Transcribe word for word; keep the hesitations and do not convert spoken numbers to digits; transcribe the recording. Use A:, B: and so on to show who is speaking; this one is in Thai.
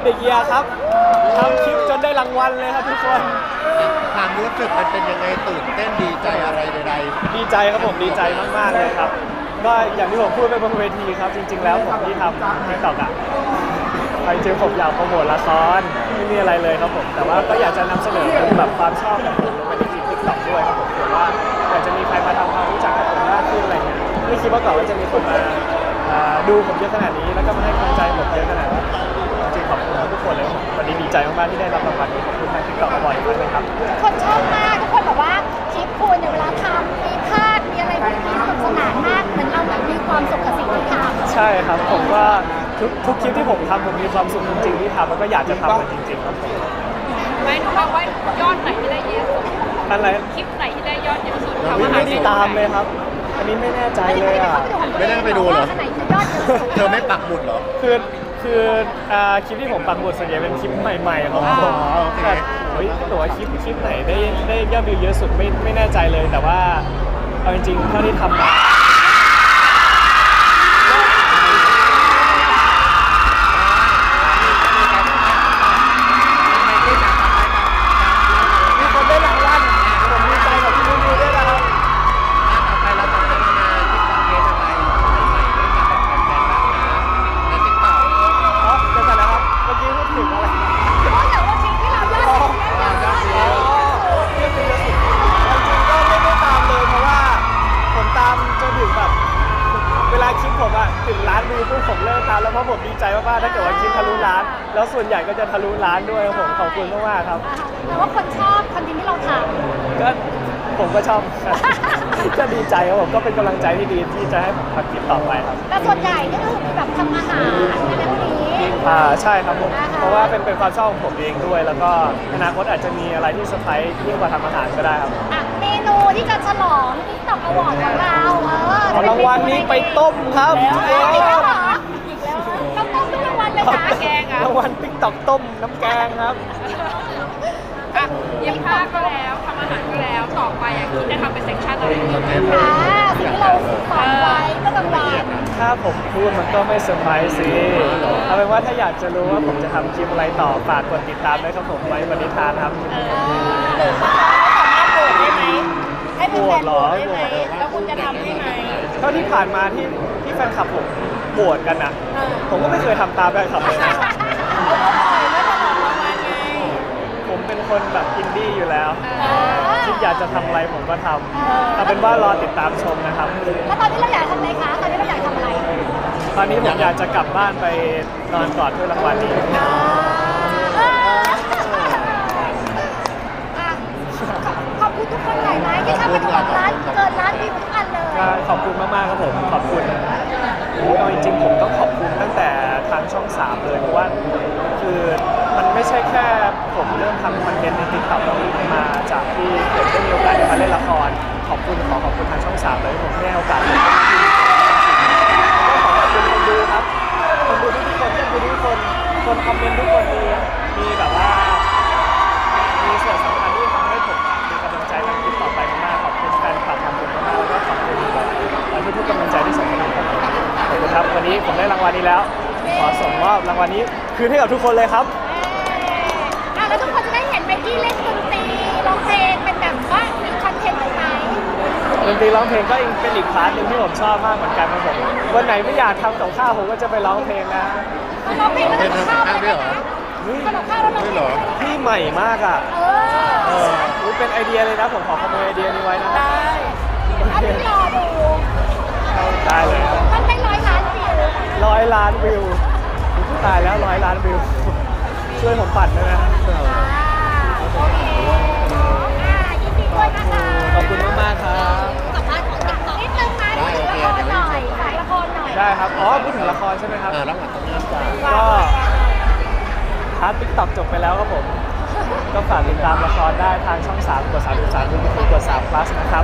A: เด็กเกียร์ครับทำคลิปจนได้รางวัลเลยครับทุกคน
B: ความรู้สึกมันเป็นยังไงตื่นเต้นดีใจอะไรใด
A: ๆดีใจครับผมดีใจมากๆเลยครับก็อย่างที่ผมพูดไปบนเวทีครับจริงๆแล้วผมที่ทำติ๊กต็อกอ่ะไปจริงผมอยากโปรโมทละครไม่มีอะไรเลยครับผมแต่ว่าก็อยากจะนำเสนอแบบความชอบของผมลงไปในคลิปติ๊กต็อกด้วยครับผมเพราะว่าอยากจะมีใครมาทำความรู้จักกับผมมากขึ้นอะไรเงี้ยไม่คิดว่าก่อนว่าจะมีคนมาดูผมเยอะขนาดนี้แล้วก็มาให้กำลังใจผมเยอะขนาดนี้จริงขอบคุณทุกคนเลยวันนี้ดีใจมากๆที่ได้รับรางวัลนี้ขอบคุณทางติ๊กต็อกบ่อยมากเลยครับ
C: คนชอบมากทุกคนบอกว่าคลิปคุณเนี่ยเวลาทำมีภาคมีอะไรพวกนี้สนุกสนานมากเหมือนเราแบบมีความสุขกับสิ่งที่ทำ
A: ใช่ครับผมว่าทุกทุกคลิปที่ผมทำผมมีความสุขจริงๆที่ทำแล้วก็อยากจะทำมันจริงๆครับ
D: ไม่รู้ว่ายอดไหนที่ได้เยอะสุด
A: อะไร
D: คลิปไหนที่ได้ยอดเยอะสุด
A: ไม่ได้ตามเลยครับอันนี้ไม่แน่ใจเลยอ่ะ
B: ไม่ได้ไปดูเหรอเธอไม่ปักหมุดเหรอ
A: คือคือคลิปที่ผมปักหมุดส่วนใหญ่เป็นคลิปใหม่ๆของผมแต่เฮ้ยตัวคลิปคลิปไหนได้ได้ยอดวิวเยอะสุดไม่ไม่แน่ใจเลยแต่ว่าเอาจริงๆเท่าที่ทำมาถึงล้านวิวปุ๊บผมเลิกทำแล้วเพราะผมดีใจมากๆถ้าเกิดว่าคลิปทะลุล้านแล้วส่วนใหญ่ก็จะทะลุล้านด้วยผมขอบคุณมากๆครับ
C: แต่ว่าคนชอบคอนเทนต์ที่เราท
A: ำก็ผมก็ชอบก็ดีใจครับผมก็เป็นกำลังใจที่ดีที่จะให้ผมทำคลิปต่อไปครับ
C: แต่ส่วนใหญ่นี่ก็คือมีแบบทำอาหารอะไรพวกนี้
A: อ่าใช่ครับผมเพราะว่าเป็นเป็นความชอบของผมเองด้วยแล้วก็อนาคตอาจจะมีอะไรที่เซอร์ไพรส์ยิ่งกว่าทำอาหารก็ได้ครับ
C: อ่ะเมนูที่จะฉลองติ๊กต็อกอวอร์ดของเราเออ
A: รางวัลนี้ไปต้มครับ
C: อีกแล้วเหรออีกแล้วต้องต้มทุกรางวัลเลยนะ
D: แกงอ่ะ
A: รางวัลติ๊กต็อกต้มน้ำแกงครับ
D: อ่ะเย็บผ้าก็แล้วทำอาหารก็แล้วต่อไปอ่ะคิดจะทำเป็นเซ็กชันอะไรดี
C: อ่าสิ่งที่เราฝันไว้ก็กำลัง
A: ถ้าผมพูดมันก็ไม่เซอร์ไพรส์สิเอาเป็นว่าถ้าอยากจะรู้ว่าผมจะทำคลิปอะไรต่อฝากกดติดตามด้วยครับผมไว้บริธานครับ
C: หรือว่าสามารถโหวตได้ไหมให้เป็นแฟนโหวตได้ไหมแล้วคุณจะทำได้ไหม
A: เท่าที่ผ่านมาที่ที่แฟนคลับผมโหวตกันอ่ะผมก็ไม่เคยทำตามแฟนคลับเลยนะผมเป็นคนแบบอินดี้อยู่แล้วคิดอยากจะทำอะไรผมก็ทำเอาเป็นว่ารอติดตามชมนะครับ
C: แล้วตอนนี้เราอยากทำอะไรคะตอนนี้เราอยากทำอะไร
A: ตอนนี้ผมอยากจะกลับบ้านไปนอนกอดถ้วยรางวัลนี้
C: ขอบคุณทุกคนหลายไหมที่ทำให้ทุกคนร้านเกินร้านวิวทุกอันเลย
A: ขอบคุณมากๆครับผมขอบคุณเอาจริงๆผมต้องขอบคุณตั้งแต่ทางช่องสามเลยเพราะว่าคือมันไม่ใช่แค่ผมเริ่มทำคอนเทนต์ในติ๊กต็อกมาจากที่ผมได้มีโอกาสได้มาเล่นละครขอบคุณขอขอบคุณทางช่องสามเลยผมได้โอกาสขอขอบคุณคนดูครับคนดูทุกคนคนดูทุกคนคนคอมเมนต์ทุกคนมีมีแบบว่ามีส่วนสำคัญที่ทำให้ผมมีกำลังใจทำคลิปต่อไปมากขอบคุณแฟนคลับขอบคุณมากแล้วก็ขอบคุณทุกทุกกำลังใจที่ส่งมาให้ผมขอบคุณครับวันนี้ผมได้รางวัลนี้แล้วขอส่งมอบรางวัลนี้คืนให้กับทุกคนเลยครับ
C: อ่ะแล้วทุกคนจะได้เห็นไมกี้เล่นดนตรีร้องเพลงเป็นแบบว่ามีคอนเทนต์ไหม
A: ดนตรีร้องเพลงก็เป็นอีกพาร์ทหนึ่งที่ผมชอบมากเหมือนกันครับผมวันไหนไม่อยากทำกับข้าวผมก็จะไปร้องเพลงนะ
C: ร้องเพลงแล้วทำกับข้าวด้วยเหรอทำกับข้าวแล้วร้องเพลง
A: พี่ใหม่มากอ่ะเออเป็นไอเดียเลยนะผมขอขโมยไอเดียนี้ไว้นะ
C: ได้เอาไปรอดู
A: ได้เลย
C: มันได้ร้อยล้านวิว
A: ร้อยล้านวิวตายแล้วร้อยล้านวิวช่วยผมปั่นด้วยนะ
C: โอเคอ่ายินดีด้วยนะคะ
A: ขอบคุณมากๆครับ
C: สัมภาษณ์ของติ๊กต็อกนิดนึงไหมละครหน่อยฝากละครหน่อย
A: ได้ครับอ๋อพูดถึงละครใช่ไหมครับ
B: แล้วหลังจากนี้
A: ก็พาร์ทติ๊กต็อกจบไปแล้วครับผมก็ฝากติดตามละครได้ทางช่องสามกดสามสิบสามดูทีกดสาม plus นะครับ